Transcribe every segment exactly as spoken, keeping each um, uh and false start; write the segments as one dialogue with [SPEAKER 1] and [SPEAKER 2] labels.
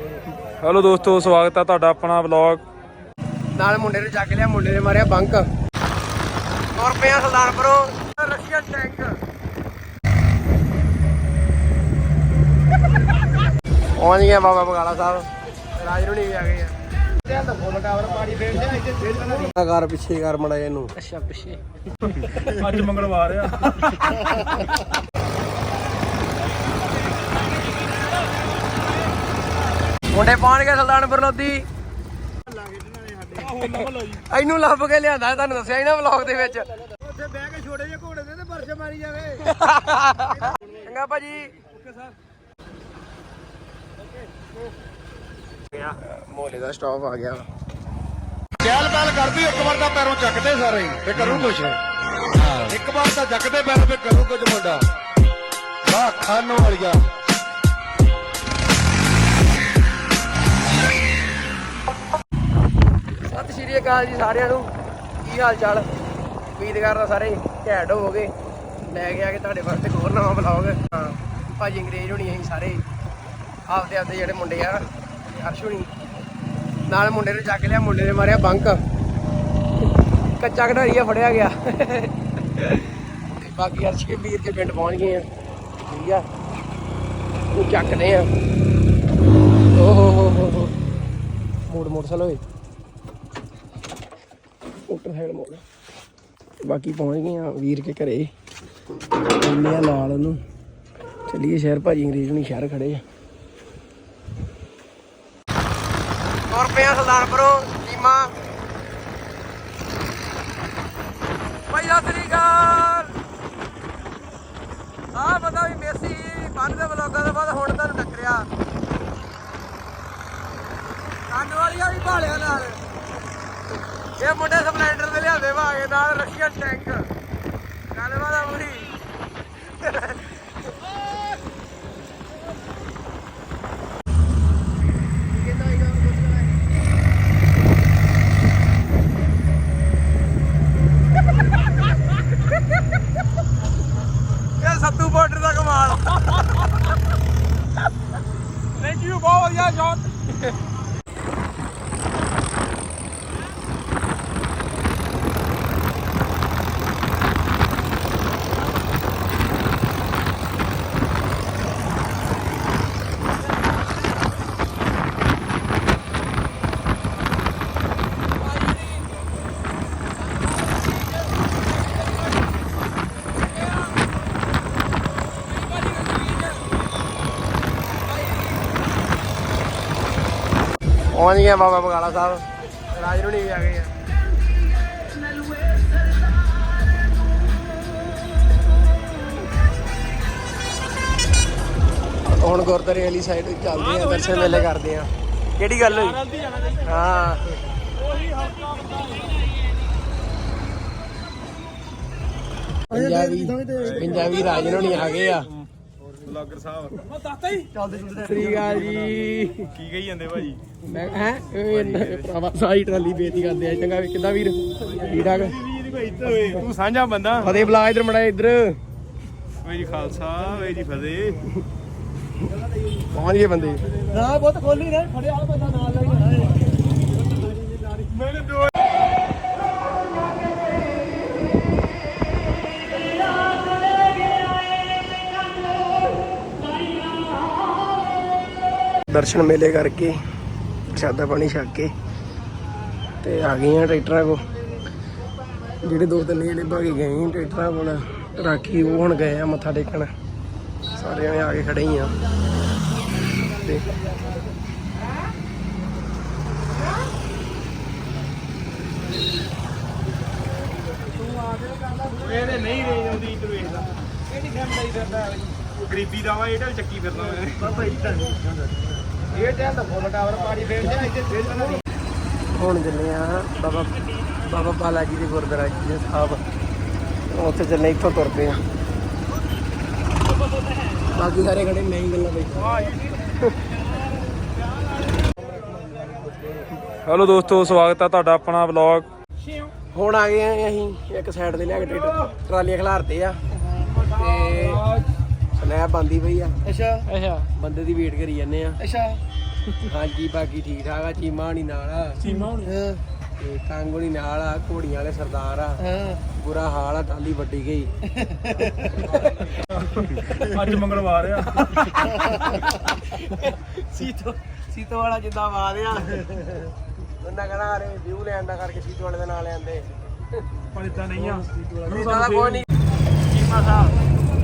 [SPEAKER 1] Hello दोस्तों, स्वागत है ਤੁਹਾਡਾ ਆਪਣਾ ਵਲੌਗ
[SPEAKER 2] ਨਾਲ ਮੁੰਡੇ ਨੂੰ ਚੱਕ ਲਿਆ, ਮੁੰਡੇ ਨੇ ਮਾਰਿਆ ਬੰਕ और पे सुल्तानपुरों रशियन टैंक पहुंच गया बाबा बगाला साहब। राजरूणी भी आ गई है। कार पिछे कर मड़ा इनू अच्छा पिछे
[SPEAKER 1] ਅੱਜ ਮੰਗਲਵਾਰ ਆ
[SPEAKER 2] मुंडे पहुंच गए सुल्तानपुर लोधी। ਇਹਨੂੰ ਲੱਭ ਕੇ ਲਿਆਂਦਾ ਤੁਹਾਨੂੰ ਦੱਸਿਆ ਹੀ ਨਾ ਵਲੌਗ ਦੇ ਵਿੱਚ। ਉੱਥੇ ਬਹਿ ਕੇ ਛੋਟੇ ਜਿਹੇ ਘੋੜੇ ਦੇ ਤੇ ਪਰਛ ਮਾਰੀ ਜਾਵੇ। ਚੰਗਾ ਭਾਜੀ। Okay sir. ਮੋਲੇ ਦਾ ਸਟਾਪ ਆ ਗਿਆ।
[SPEAKER 3] ਚਹਿਲ ਪਹਿਲ ਕਰਦੀ ਇੱਕ ਵਾਰ ਤਾਂ ਪੈਰੋਂ ਚੱਕਦੇ ਸਾਰੇ ਤੇ ਕਰੂ ਕੁਛ। ਇੱਕ ਵਾਰ ਤਾਂ ਚੱਕਦੇ ਪੈਰ ਤੇ ਕਰੂ ਕੁਝ ਮੁੰਡਾ। ਵਾਹ ਖਾਨੋ ਵਾਲੀਆ।
[SPEAKER 2] ਸਤਿ ਸ਼੍ਰੀ ਅਕਾਲ ਜੀ ਸਾਰਿਆਂ ਨੂੰ। ਕੀ ਹਾਲ ਚਾਲ? ਉਮੀਦ ਕਰਦਾ ਸਾਰੇ ਘੈਂਟ ਹੋਵੋਗੇ। ਲੈ ਕੇ ਆ ਕੇ ਤੁਹਾਡੇ ਵਾਸਤੇ ਹੋਰ ਨਵਾਂ ਵਲੌਗ। ਹਾਂ ਭਾਜੀ ਅੰਗਰੇਜ਼ ਹੋਣੀ ਅਸੀਂ ਸਾਰੇ ਆਪਦੇ ਆਪਦੇ ਜਿਹੜੇ ਮੁੰਡੇ ਆ ਅਰਸ਼ ਹੋਣੀ ਨਾਲ ਮੁੰਡੇ ਨੂੰ ਚੱਕ ਲਿਆ, ਮੁੰਡੇ ਨੇ ਮਾਰਿਆ ਬੰਕ ਕੱਚਾ ਘੜਾਰੀਆ ਫੜਿਆ ਗਿਆ। ਬਾਕੀ ਅਰਸ਼ ਕੇ ਵੀਰ ਕੇ ਪਿੰਡ ਪਹੁੰਚ ਗਏ ਆ। ਠੀਕ ਆ ਉਹ ਚੱਕਦੇ ਆ। ਓ ਹੋ ਹੋ ਹੋ ਹੋ ਮੋੜ ਮੋਟਰਸਾਈਕਲ ਹੋਏ ਮੋਟਰਸਾਈਕਲ ਮੋੜ। ਬਾਕੀ ਪਹੁੰਚ ਗਏ ਆ ਵੀਰ ਕੇ ਘਰੇ। ਇੰਨੇ ਨਾਲ ਉਹਨੂੰ ਚੱਲੀਏ ਸ਼ਹਿਰ। ਭਾਜੀ ਅੰਗਰੇਜ਼ ਨੂੰ ਸ਼ਹਿਰ ਖੜੇ ਆ। ਔਰ ਪਿਆ ਸੁਲਤਾਨਪੁਰੋਂ ਨੀਮਾ ਭਾਈ ਸਤਿ ਸ੍ਰੀ ਅਕਾਲ। ਆਹ ਪਤਾ ਵੀ ਮੇਸੀ ਬੰਨ ਦੇ ਵਲੋਗਾਂ ਤੋਂ ਬਾਅਦ ਹੁਣ ਤੁਹਾਨੂੰ ਟੱਕਰਿਆ। ਕੰਨ ਵਾਲੀਆਂ ਵੀ ਭਾਲਿਆ ਨਾਲ। ਇਹ ਮੁੰਡੇ ਸਪਲੈਂਡਰ ਦੇ ਲਿਆਂਦੇ ਭਾਗੇ ਨਾਲ ਰਸ਼ੀਅਨ ਟੈਂਕ। ਗੱਲਬਾਤ ਆ ਪੂਰੀ। ਇਹ ਸੱਤੂ ਬਾਰਡਰ ਦਾ ਕਮਾਲ। ਥੈਂਕ ਯੂ, ਬਹੁਤ ਵਧੀਆ ਸ਼ਾਟ। पहुंच गया बाबा बगाला साहब। राजरूणी भी आ गई है। ਹੁਣ ਗੁਰਦੁਆਰੇ ਵਾਲੀ ਸਾਈਡ ਚੱਲਦੇ ਆ, ਦਰਸ਼ਨ ਮੇਲੇ ਕਰਦੇ ਆ। ਕਿਹੜੀ ਗੱਲ ਹੋਈ? ਹਾਂ ਪੰਜਾਬੀ ਪੰਜਾਬੀ ਰਾਜरूणी ਆ ਗਏ ਆ।
[SPEAKER 1] ਵਲੌਗਰ ਸਾਹਿਬ
[SPEAKER 2] ਸ੍ਰੀ ਅਕਾਲ ਜੀ।
[SPEAKER 1] ਕੀ ਕਹੀ ਜਾਂਦੇ ਭਾਜੀ?
[SPEAKER 2] ਮੈਂ ਹੈ ਭਰਾਵਾ ਸਾਰੀ ਟਰਾਲੀ ਬੇਤੀ ਕਰਦੇ ਆ। ਚੰਗਾ ਕਿੱਦਾਂ ਵੀਰ? ਠੀਕ ਠਾਕ।
[SPEAKER 1] ਤੂੰ ਸਾਂਝਾ ਬੰਦਾ।
[SPEAKER 2] ਫਤਿਹ ਬੁਲਾ ਇਧਰ ਮੜਾ ਇੱਧਰ।
[SPEAKER 1] ਵੇ ਜੀ ਖਾਲਸਾ, ਵੇ ਜੀ ਫਤਿਹ।
[SPEAKER 2] ਪਹੁੰਚ ਗਏ ਬੰਦੇ। ਨਾ ਬਹੁਤ ਖੋਲੀ ਨੇ ਫੜਿਆ ਆ ਬੰਦਾ ਨਾਲ ਲੈ ਕੇ ਆਇਆ।
[SPEAKER 1] ਮੈਨੂੰ ਦੋ
[SPEAKER 2] ਦਰਸ਼ਨ ਮੇਲੇ ਕਰਕੇ ਪ੍ਰਸ਼ਾਦਾ ਪਾਣੀ ਛਕ ਕੇ ਤੇ ਆ ਗਏ ਆ ਟਰੈਕਟਰਾਂ ਕੋਲ। ਜਿਹੜੇ ਦੋ ਤਿੰਨ ਜਿਹੜੇ ਭਾਗੇ ਗਏ ਸੀ ਟਰੈਕਟਰਾਂ ਕੋਲ ਰਾਖੀ, ਉਹ ਹੁਣ ਗਏ ਆ ਮੱਥਾ ਟੇਕਣ। ਸਾਰੇ ਜਣੇ ਆ ਕੇ ਖੜੇ ਹੀ ਆ। ਤੇ
[SPEAKER 1] ਇਹਦੇ ਨਹੀਂ ਰੇਂਜ ਆਉਂਦੀ। ਤੂੰ ਵੇਖਦਾ ਕਿਹੜੀ ਖੰਡਾਈ ਫਿਰਦਾ ਗਰੀਬੀ ਦਾ ਵਾ। ਇਹਦਾ ਵੀ ਚੱਕੀ ਫਿਰਦਾ ਮੈਂ ਬਾਬਾ ਇਦਾਂ ਇਹ ਟਾਈਮ ਤਾਂ ਫੁੱਲ ਟਾਵਰ ਪਾੜੀ ਫੇਰ ਜਾ ਇੱਥੇ ਫੇਰ ਬਣਾ ਦੀ।
[SPEAKER 2] ਹੁਣ ਚੱਲੇ ਆ ਬਾਬਾ ਬਾਬਾ ਬਾਲਾ ਜੀ ਦੇ ਗੁਰਦੁਆਰਾ ਜੀ ਸਾਹਿਬ। ਉੱਥੇ ਚੱਲੇ, ਇੱਥੋਂ ਤੁਰ ਪਏ ਆ। ਬਾਕੀ ਸਾਰੇ ਖੜੇ ਮੈਂ ਹੀ ਗੱਲਾਂ ਬੈਠਾ।
[SPEAKER 1] ਹੈਲੋ ਦੋਸਤੋ, ਸਵਾਗਤ ਹੈ ਤੁਹਾਡਾ ਆਪਣਾ ਵਲੌਗ।
[SPEAKER 2] ਹੁਣ ਆ ਗਏ ਆ ਅਸੀਂ ਇੱਕ ਸਾਈਡ ਤੇ ਲਿਆ ਕੇ ਟਰੈਕਟਰ ਟਰਾਲੀਆਂ ਖਿਲਾਰਤੇ ਆ ਤੇ ਸਲੈਬ ਬੰਦੀ ਪਈ ਆ। ਅੱਛਾ ਅੱਛਾ ਬੰਦੇ ਦੀ ਵੇਟ ਕਰੀ ਜਾਂਦੇ ਆ। ਅੱਛਾ ਹਾਂਜੀ ਬਾਕੀ ਠੀਕ ਠਾਕ ਆ। ਚੀਮਾ ਹੋਣੀ ਨਾਲ ਆ,
[SPEAKER 1] ਸੀਮਾ ਹੋਣੀ
[SPEAKER 2] ਤੇ ਕੰਗ ਹੋਣੀ ਨਾਲ ਆ, ਘੋੜੀਆਂ ਵਾਲੇ ਸਰਦਾਰ ਆ। ਬੁਰਾ ਹਾਲ ਆ, ਟਾਲੀ ਵੱਡੀ ਗਈ।
[SPEAKER 1] ਅੱਜ ਮੰਗਲਵਾਰ ਆ।
[SPEAKER 2] ਸੀਤੋ ਸੀਤੋ ਵਾਲਾ ਜਿੱਦਾਂ ਆਵਾਜ਼ ਆ ਉਹਨਾਂ ਕਹਣਾ ਅਰੇ ਵਿਊ ਲੈਣ ਦਾ ਕਰਕੇ ਸੀਤੋ ਵਾਲੇ ਦੇ ਨਾਲ ਆਂਦੇ।
[SPEAKER 1] ਪਰ ਇਦਾਂ ਨਹੀਂ ਆ।
[SPEAKER 2] ਇਦਾਂ ਦਾ ਕੋਈ ਨਹੀਂ। ਚੀਮਾ ਸਾਹਿਬ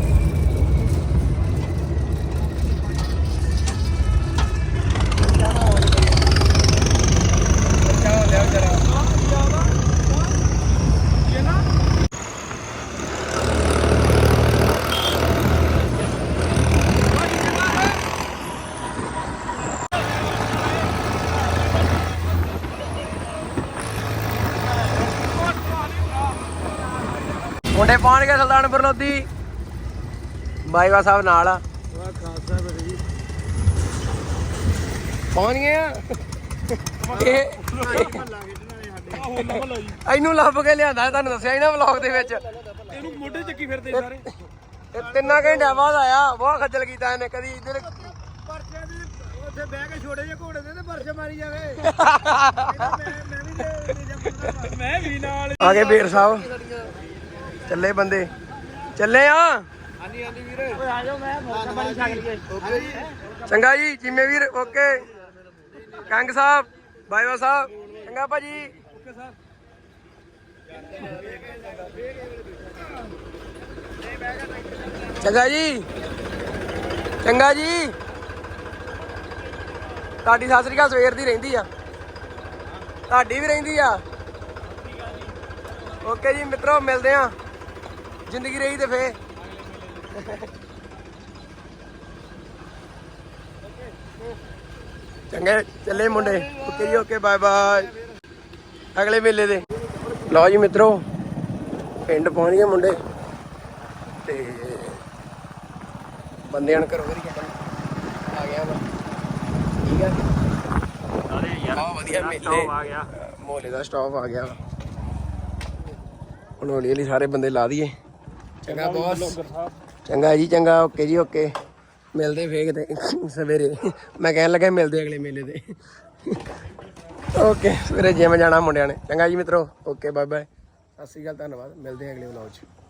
[SPEAKER 2] ਮੁੰਡੇ ਪਹੁੰਚ ਗਏ ਸੁਲਤਾਨਪੁਰ ਲੋਧੀ। ਬਾਈਵਾ ਸਾਹਿਬ ਨਾਲ ਆ। ਪਹੁੰਚ ਗਏ ਆ। ਇਹ ਇਹਨੂੰ ਲੱਭ ਕੇ ਲਿਆਂਦਾ, ਤੁਹਾਨੂੰ ਦੱਸਿਆ ਹੀ ਨਾ ਵਲੌਗ ਦੇ ਵਿੱਚ।
[SPEAKER 1] ਇਹਨੂੰ ਮੋਢੇ ਚੱਕੀ ਫਿਰਦੇ ਸਾਰੇ।
[SPEAKER 2] ਇਹ ਤਿੰਨਾਂ ਘੰਟਿਆਂ ਬਾਅਦ ਆਇਆ। ਬਹੁਤ ਖੱਜਲ ਕੀਤਾ ਇਹਨੇ। ਕਦੀ ਇੱਧਰ
[SPEAKER 1] ਪਰਚੇ ਦੀ ਉੱਥੇ ਬਹਿ ਕੇ ਛੋੜੇ ਜੇ ਘੋੜੇ ਦੇ ਤੇ ਪਰਚੇ ਮਾਰੀ ਜਾਵੇ। ਮੈਂ ਵੀ ਨਾਲ
[SPEAKER 2] ਆ ਗਏ ਬੇਰ ਸਾਹਿਬ। ਚੱਲੇ ਬੰਦੇ ਚੱਲੇ ਆ।
[SPEAKER 1] ਹਾਂਜੀ ਹਾਂਜੀ ਵੀਰ ਓਏ ਆ ਜਾਓ। ਮੈਂ ਮੋਟਾ ਪਾਣੀ ਛਕ ਲਈਏ।
[SPEAKER 2] ਚੰਗਾ ਜੀ ਜਿੰਮੇ ਵੀਰ। ਓਕੇ ਕੰਗ ਸਾਹਿਬ, ਬਾਈਵਾ ਸਾਹਿਬ, ਚੰਗਾ ਭਾਜੀ।
[SPEAKER 1] Okay sir.
[SPEAKER 2] ਚੰਗਾ ਜੀ, ਚੰਗਾ ਜੀ। ਤੁਹਾਡੀ ਸਤਿ ਸ੍ਰੀ ਅਕਾਲ ਸਵੇਰ ਦੀ ਰਹਿੰਦੀ ਆ। ਤੁਹਾਡੀ ਵੀ ਰਹਿੰਦੀ ਆ। ਓਕੇ ਜੀ ਮਿੱਤਰੋ, ਮਿਲਦੇ ਆ। ਜ਼ਿੰਦਗੀ ਰਹੀ ਤੇ ਫੇ ਚੰਗੇ ਚੱਲੇ ਮੁੰਡੇ। ਓਕੇ ਜੀ ਓਕੇ, ਬਾਏ ਬਾਏ। ਅਗਲੇ ਮੇਲੇ ਦੇ ਲਓ ਜੀ ਮਿੱਤਰੋ, ਪਿੰਡ ਪਹੁੰਚ ਗਏ ਮੁੰਡੇ ਤੇ ਬੰਦਿਆਂ ਨੂੰ ਘਰੋਂ ਘਰੀ ਕੱਢਣ ਆ ਗਿਆ ਵਾ। ਠੀਕ ਆ
[SPEAKER 1] ਸਾਰੇ ਯਾਰ
[SPEAKER 2] ਬਹੁਤ ਵਧੀਆ ਮੇਲੇ
[SPEAKER 1] ਆ ਗਿਆ।
[SPEAKER 2] ਮੋਲੇ ਦਾ ਸਟਾਪ ਆ ਗਿਆ। ਹੁਣ ਹੌਲੀ ਹੌਲੀ ਸਾਰੇ ਬੰਦੇ ਲਾ ਦਈਏ। ਚੰਗਾ ਬੌਸ। ਚੰਗਾ ਜੀ ਚੰਗਾ। ਓਕੇ ਜੀ ਓਕੇ। ਮਿਲਦੇ ਫੇਕ ਤੇ ਸਵੇਰੇ। ਮੈਂ ਕਹਿਣ ਲੱਗਾ ਮਿਲਦੇ ਅਗਲੇ ਮੇਲੇ ਤੇ। ਓਕੇ ਸਵੇਰੇ ਜਿਮ ਜਾਣਾ ਮੁੰਡਿਆਂ ਨੇ। ਚੰਗਾ ਜੀ ਮਿੱਤਰੋ, ਓਕੇ ਬਾਏ ਬਾਏ। ਸਤਿ ਸ਼੍ਰੀ ਅਕਾਲ, ਧੰਨਵਾਦ। ਮਿਲਦੇ ਹਾਂ ਅਗਲੇ ਵਲੌਗ 'ਚ।